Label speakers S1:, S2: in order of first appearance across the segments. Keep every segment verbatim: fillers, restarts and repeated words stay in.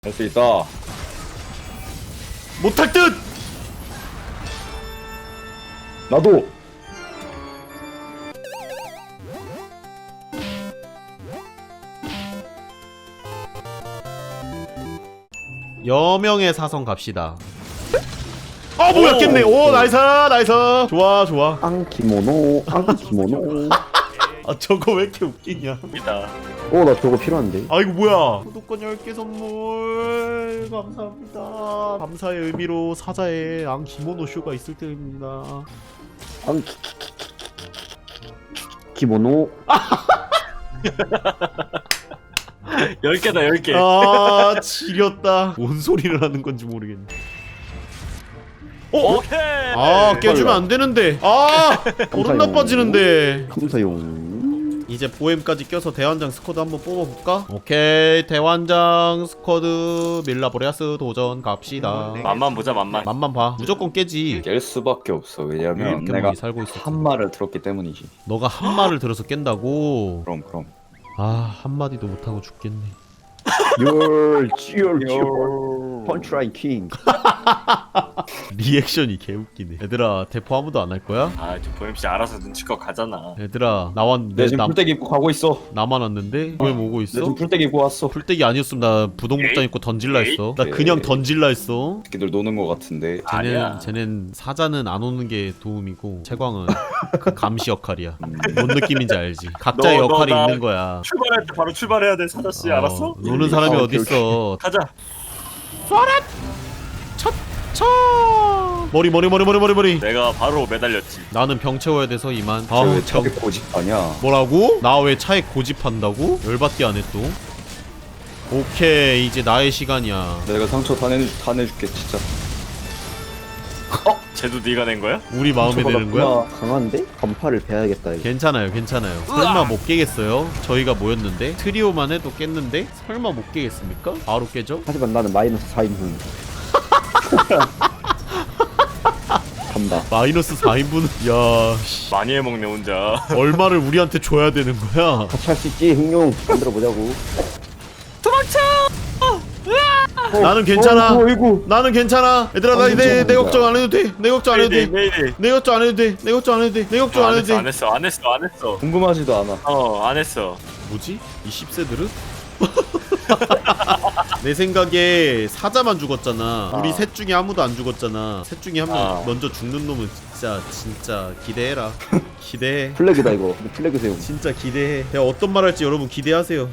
S1: 할 수 있다.
S2: 못할 듯!
S1: 나도.
S2: 여명의 사성 갑시다. 아 뭐야 깼네. 오 나이스 나이스. 좋아 좋아.
S3: 앙키모노 앙키모노.
S2: 아 저거 왜 이렇게 웃기냐.
S3: 오 나 저거 필요한데.
S2: 아 이거 뭐야. 구독권 열 개 선물 감사합니다. 감사의 의미로 사자에 앙 기모노 쇼가 있을 때입니다.
S3: 앙키 키모노.
S4: 열 개다 열 개.
S2: 아 지렸다. 뭔 소리를 하는 건지 모르겠네. 어?
S4: 오케이.
S2: 아 깨주면 안 되는데. 아 버릇 나빠지는데.
S3: 감사용.
S2: 이제 보엠까지 껴서 대환장 스쿼드 한번 뽑아볼까? 오케이 대환장 스쿼드 밀라보레아스 도전 갑시다.
S4: 맛만 보자 맛만.
S2: 맛만 봐. 무조건 깨지.
S1: 깰 수밖에 없어. 왜냐면
S2: 이렇게
S1: 내가
S2: 많이 살고 있어.
S1: 한 말을 들었기 때문이지.
S2: 너가 한 말을 들어서 깬다고?
S1: 그럼 그럼.
S2: 아 한마디도 못하고 죽겠네.
S3: Your your your punchline king.
S2: 리액션이 개웃기네. 얘들아 대포 아무도 안 할 거야?
S4: 아저 보엠씨 알아서 눈치껏 가잖아.
S2: 얘들아 나왔는데
S1: 내 지금
S2: 남,
S1: 풀떼기 입고 가고 있어.
S2: 나만 왔는데? 보엠 오고
S1: 내
S2: 있어?
S1: 지금 풀떼기 입고 왔어.
S2: 풀떼기 아니었으면 나 부동복장 입고 던질라 했어. 나 그냥 던질라 했어.
S1: 새끼들 노는 거 같은데.
S4: 아니야.
S2: 쟤는, 쟤는 사자는 안 오는 게 도움이고 채광은 그 감시 역할이야.
S1: 음.
S2: 뭔 느낌인지 알지? 각자의
S4: 너, 너,
S2: 역할이
S4: 나-
S2: 있는 거야.
S4: 출발할 때 바로 출발해야 돼 사자씨.
S2: 어,
S4: 알았어?
S2: 노는 사람이
S3: 아, 오케이,
S2: 어딨어.
S4: 가자.
S2: 쳐! 머리 머리 머리 머리 머리 머리.
S4: 내가 바로 매달렸지.
S2: 나는 병 채워야 돼서 이만.
S1: 아우
S2: 아우
S1: 저게
S2: 병.
S1: 고집하냐?
S2: 뭐라고? 나 왜 차에 고집한다고? 열받게 안 해 또. 오케이 이제 나의 시간이야.
S1: 내가 상처 다, 내, 다 내줄게 진짜.
S4: 어? 쟤도 네가 낸 거야?
S2: 우리 마음에 드는 거야?
S3: 강한데? 간파를 배야겠다 이거.
S2: 괜찮아요 괜찮아요. 설마 못 깨겠어요? 저희가 모였는데 트리오만 해도 깼는데 설마 못 깨겠습니까? 바로 깨죠?
S3: 하지만 나는 마이너스 사인분. 간다.
S2: 마이너스 사 인분은 야 씨,
S4: 많이 해먹네 혼자.
S2: 얼마를 우리한테 줘야 되는 거야?
S3: 같이 할 수 있지 흥룡. 만들어 보자고.
S2: 나는 괜찮아.
S3: 어, 어이구.
S2: 나는 괜찮아. 얘들아 나 내 내 걱정 안 해도 돼. 내 걱정 안 해도 돼.
S4: 메이데이.
S2: 내 걱정 안 해도 돼. 내 걱정 안 해도 돼. 내 걱정 안
S4: 안
S2: 해도
S4: 했어
S2: 돼.
S4: 안 했어 안 했어 안 했어.
S1: 궁금하지도 않아.
S4: 어 안 했어.
S2: 뭐지? 이 십 세들은? 내 생각에 사자만 죽었잖아. 우리
S4: 아.
S2: 셋 중에 아무도 안 죽었잖아. 셋 중에 한 명
S4: 아.
S2: 먼저 죽는 놈은 진짜 진짜 기대해라. 기대해.
S3: 플래그다 이거. 플래그 세용.
S2: 진짜 기대해. 내가 어떤 말 할지 여러분 기대하세요.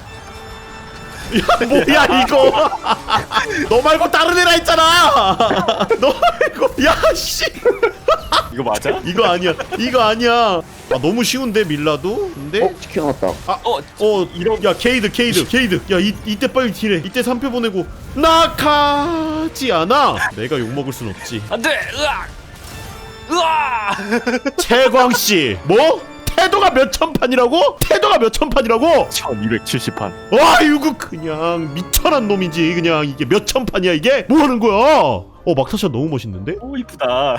S2: 야 뭐야 이거? 너 말고 다른 애라 했잖아. 너 말고 야씨
S4: 이거 맞아?
S2: 이거 아니야. 이거 아니야. 아 너무 쉬운데 밀라도? 근데
S3: 어 치킨 왔다.
S4: 어
S2: 어 이런 야 케이드 케이드 케이드 야 이, 이때 빨리 딜해. 이때 삼 패 보내고 낙하지 않아. 내가 욕먹을 순 없지.
S4: 안돼. 으악. 으아.
S2: 채광씨 뭐? 태도가 몇천 판이라고? 태도가 몇천 판이라고?
S4: 천이백칠십 판.
S2: 와 이거 그냥 미천한 놈이지. 그냥 이게 몇천 판이야 이게? 뭐 하는 거야? 어 막타샷 너무 멋있는데?
S4: 오 이쁘다.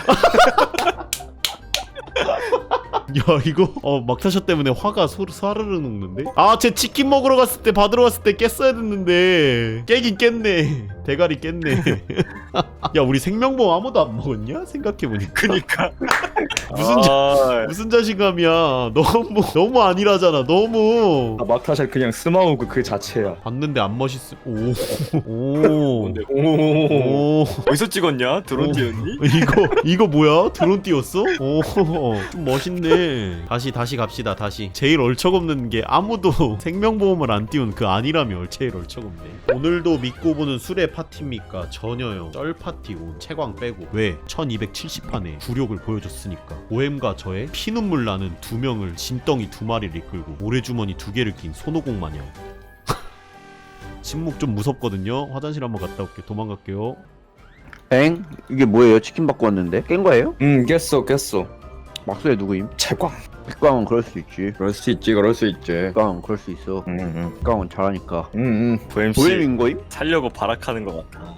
S2: 야 이거 어 막타샷 때문에 화가 소르 사르르 녹는데? 아 쟤 치킨 먹으러 갔을 때 받으러 갔을 때 깼어야 됐는데 깨긴 깼네. 대가리 깼네. 야 우리 생명보험 아무도 안 먹었냐? 생각해보니까
S4: 그니까.
S2: 무슨 자,
S4: 아,
S2: 무슨 자신감이야. 너무 너무 아니라잖아. 너무
S1: 아, 막타샷 그냥 스마우그 그 자체야.
S2: 봤는데 안 멋있어. 오오
S4: 뭔데? 오.
S2: 오.
S4: 어디서 찍었냐? 드론 찍었니?
S2: 이거 이거 뭐야? 드론 띄웠어? 오, 좀 멋있네. 다시 다시 갑시다. 다시. 제일 얼척없는 게 아무도 생명보험을 안 띄운 그 아니라며 제일 얼척없네. 오늘도 믿고 보는 술의 파티입니까? 전혀요. 쩔 파티고 채광 빼고. 왜? 천이백칠십 판에 굴욕을 보여줬으니까. 오엠과 저의 피눈물 나는 두 명을 진덩이 두 마리를 이끌고 모래주머니 두 개를 낀 손오공 마냥. 침묵 좀 무섭거든요. 화장실 한번 갔다 올게. 도망갈게요.
S3: 엥? 이게 뭐예요? 치킨 받고 왔는데? 깬 거예요?
S1: 응 깼어 깼어.
S3: 막소에 누구임?
S1: 채광.
S3: 백광은 그럴 수 있지.
S1: 그럴 수 있지 그럴 수 있지.
S3: 백광은 그럴 수 있어.
S1: 응응.
S3: 백광은 잘하니까.
S1: 응응.
S4: 보엠씨
S3: 보엠인 거임?
S4: 살려고 발악하는 것 같아.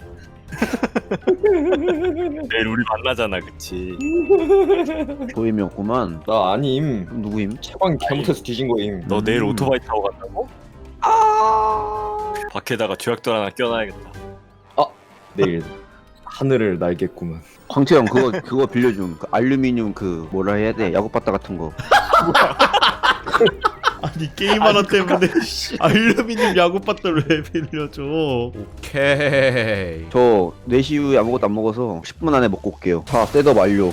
S4: 내일 우리 만나잖아, 그치?
S3: 보임이었구만.
S1: 나 아님.
S3: 그럼 누구임?
S1: 채광 잘못해서 뒤진 거임.
S4: 너 내일
S3: 음.
S4: 오토바이 타고 간다고? 밖에다가 죄악돌 하나 껴놔야겠다.
S1: 내일 하늘을 날겠구만.
S3: 광채형 그거 그거 빌려줌. 그 알루미늄 그 뭐라 해야 돼? 야구바타 같은 거.
S2: 아니 게임 하나 때문에 씨, 알루미늄 야구바트를 왜 빌려줘. 오케이.
S3: 저 네 시 이후에 아무것도 안 먹어서 십 분 안에 먹고 올게요. 자, 셋업 완료.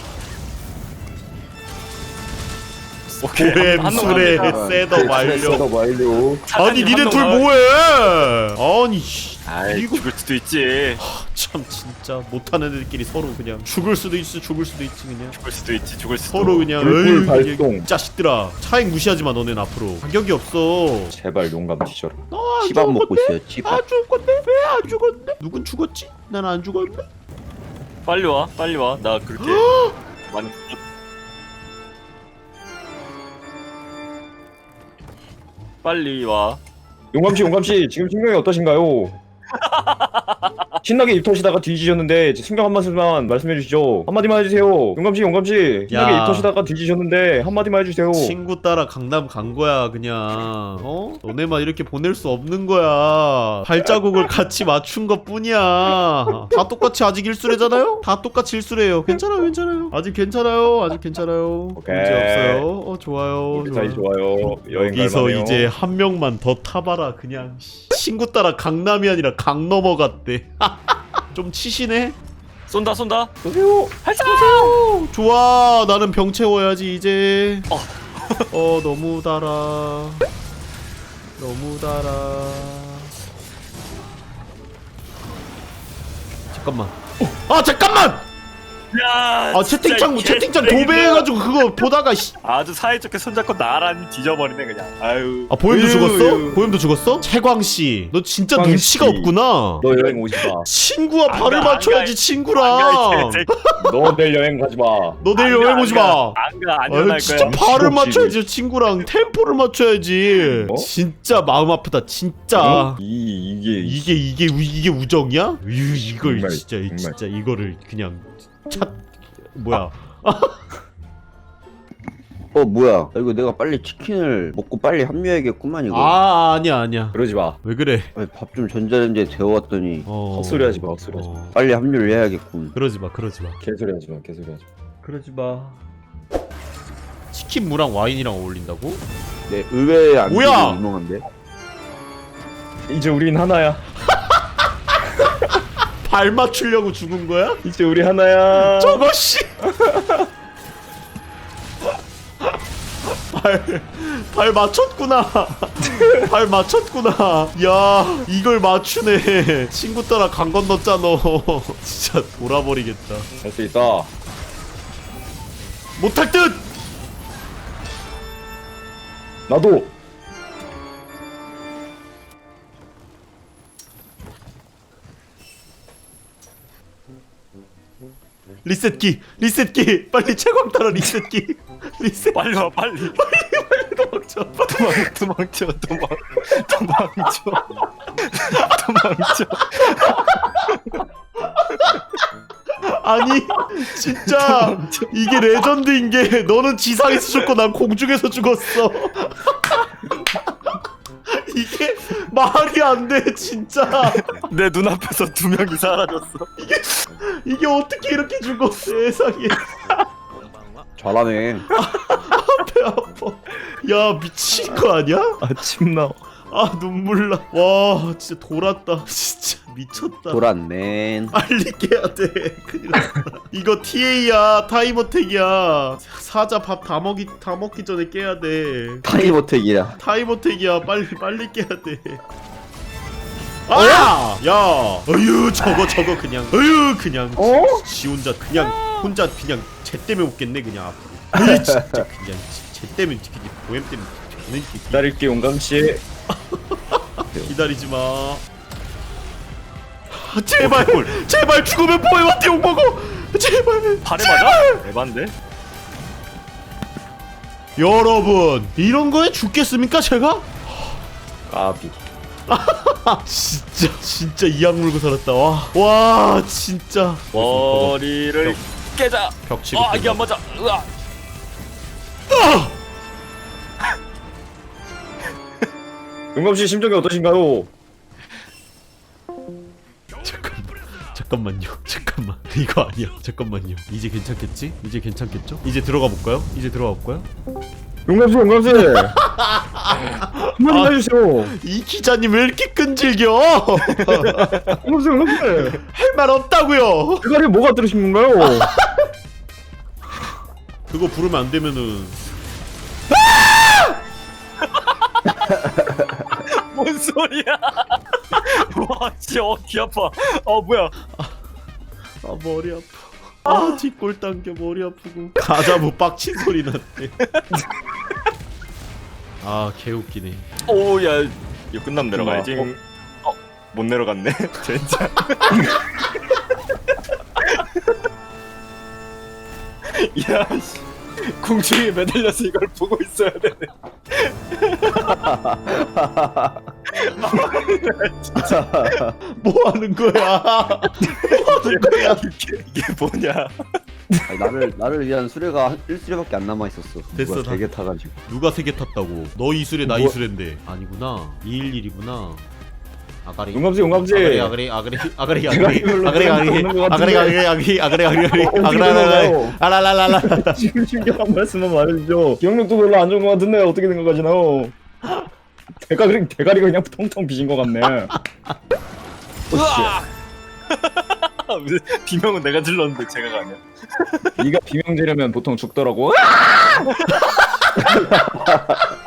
S4: 오케이.
S2: 고렘
S4: 한
S2: 술에
S4: 놈
S2: 셋업 완료.
S1: 셋업 완료.
S2: 아니 니네 둘 뭐해? 아니 씨.
S4: 아이
S2: 이거
S4: 죽을 수도 있지.
S2: 참 진짜 못하는 애들끼리 서로 그냥 죽을 수도 있어 죽을 수도 있지 그냥
S4: 죽을 수도 있지. 죽을 수도.
S2: 서로 그냥
S1: 불불
S2: 어이,
S1: 발동.
S2: 그냥 자식들아 차익 무시하지 마 너넨 앞으로 자격이 없어.
S1: 제발 용감 뒤져라.
S2: 너안
S3: 치밥
S2: 죽을
S3: 먹고
S2: 건데?
S3: 있어요. 치밥.
S2: 안 죽을 건데? 왜 안 죽었네? 누군 죽었지? 난 안 죽었네?
S4: 빨리 와. 빨리 와. 나 그렇게 많이 빨리 와.
S1: 용감 씨, 용감 씨, 지금 신경이 어떠신가요? 신나게 입터시다가 뒤지셨는데 신경 한 말씀만 말씀해 주시죠. 한 마디만 해주세요. 용감 씨, 용감 씨, 신나게
S2: 야.
S1: 입터시다가 뒤지셨는데 한 마디만 해주세요.
S2: 친구 따라 강남 간 거야 그냥. 어? 너네만 이렇게 보낼 수 없는 거야. 발자국을 같이 맞춘 것 뿐이야. 다 똑같이 아직 일수래잖아요? 다 똑같이 일수래요. 괜찮아요 괜찮아요. 아직 괜찮아요 아직 괜찮아요.
S1: 오케이.
S2: 문제 없어요. 어 좋아요
S1: 우리 사이 좋아요. 여행
S2: 여기서
S1: 갈만해요.
S2: 이제 한 명만 더 타봐라 그냥. 친구 따라 강남이 아니라 강 넘어갔대. 좀 치시네.
S4: 쏜다 쏜다.
S1: 보세요.
S2: 오, 좋아 나는 병 채워야지 이제.
S4: 어.
S2: 어 너무 달아 너무 달아. 잠깐만. 아 잠깐만.
S4: 야.
S2: 아
S4: 진짜
S2: 채팅창
S4: 이
S2: 채팅창
S4: 개쓰레기들.
S2: 도배해가지고 그거 보다가 씨.
S4: 아주 사이좋게 손잡고 나란히 뒤져버리네 그냥. 아유.
S2: 아 보엠도
S1: 으유,
S2: 죽었어?
S1: 으유.
S2: 보엠도 죽었어? 채광 씨, 너 진짜
S1: 채광
S2: 눈치가
S1: 씨.
S2: 없구나.
S1: 너 여행 오지 마.
S2: 친구와
S4: 안
S2: 발을
S4: 가, 안
S2: 맞춰야지
S4: 가, 안 가, 이
S2: 친구랑.
S4: 개새끼.
S1: 너 내일 여행 가지 마.
S2: 너 내일
S4: 안 가,
S2: 여행
S4: 안
S2: 오지
S4: 가.
S2: 마.
S4: 안 가. 안
S2: 아유,
S4: 일어날
S2: 진짜
S4: 거야.
S2: 발을
S1: 미친놈
S2: 맞춰야지 친구랑 템포를 맞춰야지.
S1: 어?
S2: 진짜 마음 아프다 진짜.
S1: 어? 이 이게
S2: 이게 이게 우- 이게 우정이야? 으, 이걸
S1: 정말,
S2: 진짜
S1: 정말.
S2: 진짜 이거를 그냥 차 뭐야?
S3: 어 뭐야? 이거 내가 빨리 치킨을 먹고 빨리 합류해야겠구만 이거.
S2: 아 아니야 아니야.
S1: 그러지 마.
S2: 왜 그래?
S3: 밥 좀 전자레인지에 데워왔더니
S2: 어.
S1: 헛소리하지 마. 헛소리하지 마.
S2: 어.
S3: 빨리 합류를 해야겠군.
S2: 그러지 마 그러지 마.
S1: 개소리하지 마. 개소리하지 마.
S2: 그러지 마. 치킨 무랑 와인이랑 어울린다고?
S3: 네, 의외의 안
S2: 뭐야?
S3: 유명한데.
S1: 이제 우린 하나야.
S2: 발 맞추려고 죽은 거야?
S1: 이제 우리 하나야.
S2: 저거 씨. 발, 발 맞췄구나. 발 맞췄구나. 야, 이걸 맞추네. 친구 따라 강 건넜잖아. 진짜 돌아버리겠다.
S1: 할 수 있다.
S2: 못할 듯.
S1: 나도.
S2: 리셋기, 리셋기. 빨리 채광 따라 리셋기. 리셋.
S4: 빨리 와 빨리.
S2: 도망쳐.
S4: 도망 도망쳐 도망 도망쳐 도망쳐.
S2: 아니 진짜 이게 레전드인 게 너는 지상에서 죽고 난 공중에서 죽었어. 이게 말이 안 돼 진짜.
S4: 내 눈앞에서 두 명이 사라졌어.
S2: 이게 어떻게 이렇게 죽어 세상에.
S3: 잘하네.
S2: 배 아파. 야 미친 거 아니야?
S1: 아침 나.
S2: 아 눈물 나. 와 진짜 돌았다. 진짜 미쳤다.
S3: 돌았네.
S2: 빨리 깨야 돼. 큰일 났다. 이거 티에이야 타임어택이야. 사자 밥 다 먹기 다 먹기 전에 깨야 돼.
S3: 타이머택이야.
S2: 타임어택이야. 빨리 빨리 깨야 돼. 아! 야! 어휴 저거 저거 그냥 어휴 그냥
S1: 어?
S2: 지 혼자 그냥 혼자 그냥 쟤 때문에 웃겠네 그냥 앞으로. 어휴 진짜 그냥 쟤 때문에 그냥 보엠 때문에 저는 이렇게
S1: 기다릴게 용감 씨.
S2: 기다리지 마. 아, 제발 제발 죽으면 보엠한테 욕 먹어. 제발.
S4: 발에 맞아? 에반데?
S2: 여러분 이런 거에 죽겠습니까 제가?
S1: 까비.
S2: 아 진짜 진짜 이악 물고 살았다. 와, 와 진짜
S4: 머리를 깨자.
S2: 벽 치고
S4: 아 이게 안 맞아. 으아.
S1: 용감씨 심정이 어떠신가요?
S2: 잠깐만 잠깐만요 잠깐만 이거 아니야 잠깐만요 이제 괜찮겠지? 이제 괜찮겠죠? 이제 들어가 볼까요? 이제 들어가 볼까요?
S1: 용감씨 용감씨 한마디
S2: 아.
S1: 해주세요.
S2: 이 기자님 왜 이렇게 끈질겨?
S1: 용감씨 용감씨
S2: 할 말 없다고요.
S1: 대가리에 뭐가 들으신 건가요?
S2: 그거 부르면 안 되면은
S4: 뭔 소리야? 와, 진짜 어, 귀 아파. 어, 뭐야?
S2: 아 머리 아파. 아 뒷골 당겨 머리 아프고. 가자부 빡친 소리 났대. 아 개웃기네.
S4: 오, 야, 이거 끝나면 내려가야지.
S1: 어?
S4: 어, 못 내려갔네. 진짜. 야, 씨. 공중에 매달려서 이걸 보고 있어야 되네.
S2: 뭐 하는 거야? 뭐 하는 거야?
S4: 이게, 이게 뭐냐?
S3: 아니, 나를 나를 위한 수레가 한 일 수레밖에 안 남아 있었어.
S2: 됐어,
S3: 누가
S2: 다-
S3: 되게 타가지고.
S2: 누가 세 개 탔다고? 너 이술에 나
S1: 뭐-
S2: 이술인데 아니구나. 이일일이구나. 아가리.
S1: 용감씨 용감씨
S2: 아가리 아가리 아가리 아가리
S1: 내가
S2: 아가리
S1: 이걸로
S2: 아가리 아가리
S1: 없는 것
S2: 아가리
S1: 같은데.
S2: 아가리 아가리 아가리 아가리 아가리
S1: 어떻게
S2: 아가리
S1: 된
S2: 아가리
S1: 건가요?
S2: 아라라라라.
S1: 지금 심각한 말씀만 말해주죠. 기억력도 별로 안 좋은 것 같은데 어떻게 된 것 같지나요? 대가리 대가리가 그냥 텅텅 비신 것 같네.
S4: 으아! 비명은 내가 질렀는데 제가 가냐?
S1: 네가 비명 지르면 보통 죽더라고.